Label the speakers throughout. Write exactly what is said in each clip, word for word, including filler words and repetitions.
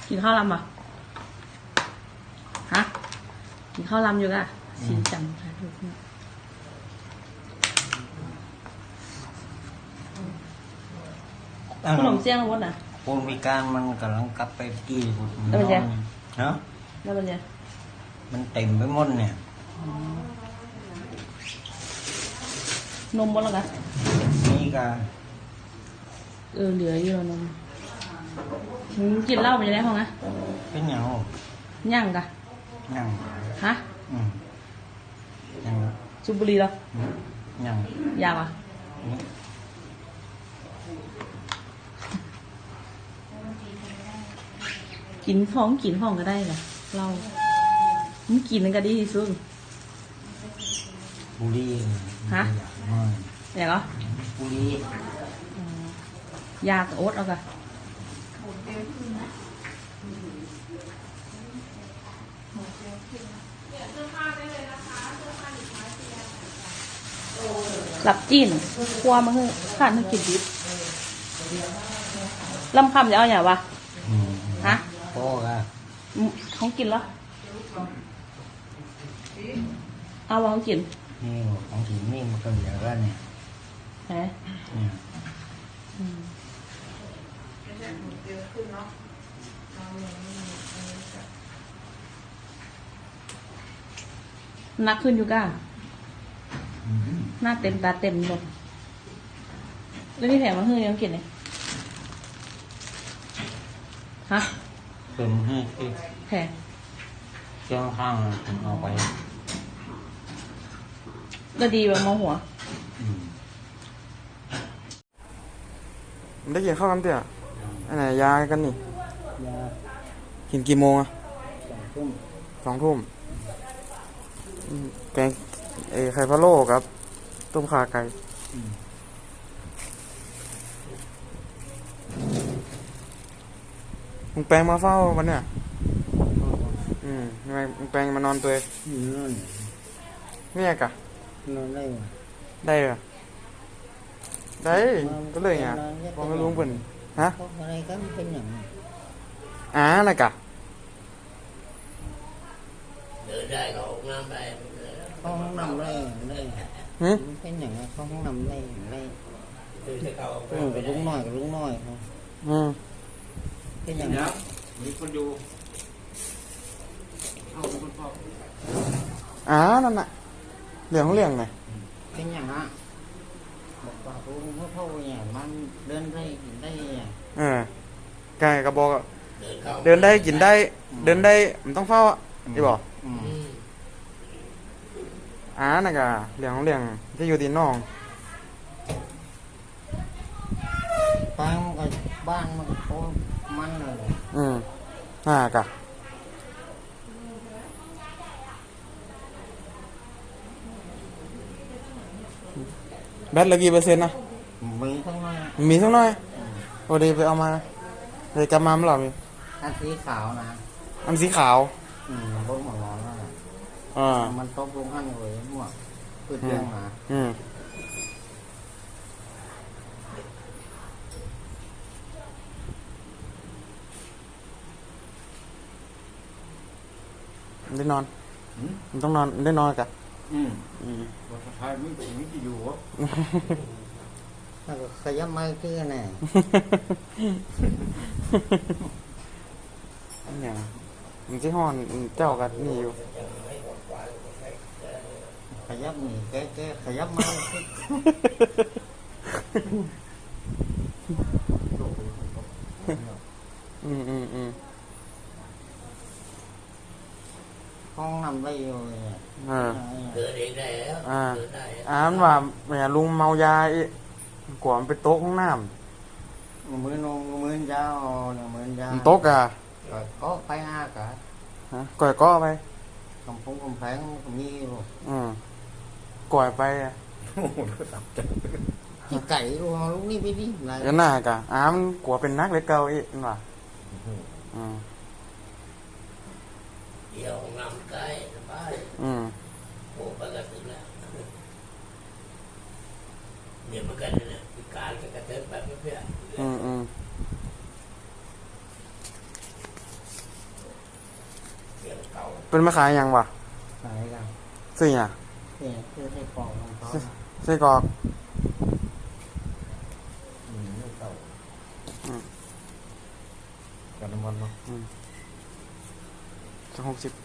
Speaker 1: กินข้าวลำป่ะฮะกินข้าวลำอยู่กะสีจันทร์ค่ะทุกคนขนมเสี่ยงวัดน่ะ
Speaker 2: ปูนมีการมันกำลังกลับไปกี่
Speaker 1: แล้วเป็นไง
Speaker 2: เนาะ
Speaker 1: แล้วเป็นไง
Speaker 2: มันเต็มไปหมดเนี่ย
Speaker 1: นมหมดแล้วกะ
Speaker 2: นี่กะ
Speaker 1: เออเหลืออยู่นมกินเหล้าไปยังไงห้องนะ
Speaker 2: เป็นเหงา
Speaker 1: ย่างกะ
Speaker 2: ย่าง
Speaker 1: ฮะ
Speaker 2: อืมย่าง
Speaker 1: สูบบุหรี่เหร
Speaker 2: อย่าง
Speaker 1: ยางอ่ะกินของกินห้องก็ได้เหรอเรามันกินนั่นก็ดีที่สุด
Speaker 2: บุหรี่
Speaker 1: ฮะอยากเหรอ
Speaker 2: บุหรี่
Speaker 1: ยากโอ๊ตเอากะหลับจีนครัวมาเฮ้ยข้านให้กินดิบลำคำจะเอาอย่างวะฮะ
Speaker 2: โอ้กะ
Speaker 1: เขากินแล้วเอาวางกิน
Speaker 2: นี่ของกินนี่มันก็เหลือแล้วเนี่ย
Speaker 1: ไหนเนี่ยนักขึ้นอยู่ก้าหน้าเต็มตาเต็มหมดแล้วมีแผลมาเฮ้ยยังกินเลยฮะ
Speaker 2: เติมให้
Speaker 1: แผล
Speaker 2: เจ้าข้างผมเอาไป
Speaker 1: ก็ดีแบบมองหัว
Speaker 3: ได้กินข้าวน้ำเตี๋ยอันไหนยากันนี่
Speaker 2: ยา
Speaker 3: กินกี่โมงอะ
Speaker 2: สองทุ่ม
Speaker 3: สองทุ่มแกงเอไข่พะโล้ครับต้มข่าไก่มึงแปลงมาเฝ้าวันเนี้ยอืมทำไมมึงแปลงมานอนตัว
Speaker 2: นอน
Speaker 3: เนี่ยกะ
Speaker 2: นอนได้ไหม
Speaker 3: ได้เหรอได้ก็เลยไงพอไม่รู้เป็นฮะ
Speaker 2: อะไรก็เป็นอย่าง
Speaker 3: อ่าน่ะกะ
Speaker 2: เดินได้ก็ห้องน้ำได้ห้องน้ำได้ได้เป็นอย่างห้องน้ำได้ได้กับลุงน้อยกับลุงน้อย
Speaker 3: อืม
Speaker 2: เป็นอย่างนี้มีคนดู
Speaker 3: อ่านั่นน่ะเรื่องของเรื่องไง
Speaker 2: เป็นอย่างฮะบอกว่าลุงพ่อพ่อเนี่ยมันเดินได้กินได้
Speaker 3: เออไก่กระบอกเดินได้กินได้เดินได้มันต้องเฝ้าที่บอกอ่าน่ะกะเรื่องของเรื่องที่อยู่ที่น้อง
Speaker 2: บ้านมันก็บ้านมันก็มันเลย
Speaker 3: อืมน่ากะแบตเหลือกี่เปอร์เซ็นต์นะ
Speaker 2: มีทั้งน้อย
Speaker 3: มีทั้งน้อยโอ้ดีไปเอามาเลยกลับมาเมื่อไหร่มี
Speaker 2: อันสีขาวนะ
Speaker 3: อันสีขาว
Speaker 2: อืมรถหมดร้อนแล้ว
Speaker 3: อ่า
Speaker 2: มันตบลงข้างเลยหมวกเพื่อเลี้ยงมา
Speaker 3: อืมได้นอนมันต้องนอนได้นอนกัน
Speaker 2: อืมอืมว่าสุดท้ายไม่ไม่จะอยู่วะแล้วก็ขยับมาคือไง
Speaker 3: เนี่ยมันที่ห้อนเจ้ากันนี่อยู่
Speaker 2: ขยับนี่แกแกขยับมา
Speaker 3: อืมอืมอืม
Speaker 2: ห้องนำได้อยู่เนี่ยเดินเองได้แล้ว
Speaker 3: อ่าอ่ามันว่าแม่ลุงเมายาอีกว่ามันไปโต๊ะห้องน้
Speaker 2: ำมือนงมือนยาวเนี่ยมือนยาว
Speaker 3: โต๊ะกะ
Speaker 2: ก็ไปห้ากะ
Speaker 3: ฮะก่อยก็ไป
Speaker 2: กำพงกำแพงมีอยู่
Speaker 3: อืมก่อยไปอ่ะ
Speaker 2: โอ้โหตับจังที่ไก่ลูกลูกนี่ไปดิ
Speaker 3: อะไรก็น่ากะอ้ามันกลัวเป็นนักเล็กเก่าอีกว่ะอืม
Speaker 2: เดี๋ยวน้ำไก่สบาย
Speaker 3: อืม
Speaker 2: โอ้ปกติแล้วเดี๋ยวมันกันเนี่ยการกระเทิบแบบเพื่อน
Speaker 3: อืมอืมเป็นมาขายหยังวะ
Speaker 2: ขายกัน
Speaker 3: ซื้อหยัง
Speaker 2: เนี่ยคือให้กรอกของเขา
Speaker 3: ไส้กรอก
Speaker 2: อืมลูกเต่า
Speaker 3: กับน้ำมันเนาะสักหกสิบ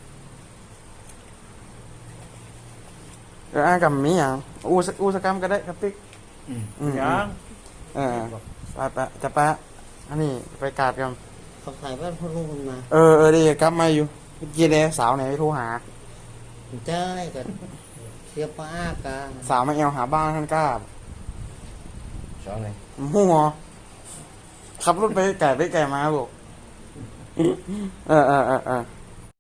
Speaker 3: เอออ่ากับมีหยังอูสอูสกรรมก็ได้ครับติ๊ก
Speaker 2: อืม
Speaker 3: อืม
Speaker 2: ยัง
Speaker 3: เออไปไปจะไปอันนี้ไปกาดกัน
Speaker 2: เขาขายบ้านพ่อลุงมันมา
Speaker 3: เออเออดีกลับมาอยู่เมื่อกี้เลยสาวไหนโทรหา
Speaker 2: ใช่กันเสียป้ากา
Speaker 3: สาวมาเอวหาบ้านท่านกล้า
Speaker 2: สองไหน
Speaker 3: หัวขับรถไปไก่ไปไก่มาบอกเออเออเออเออ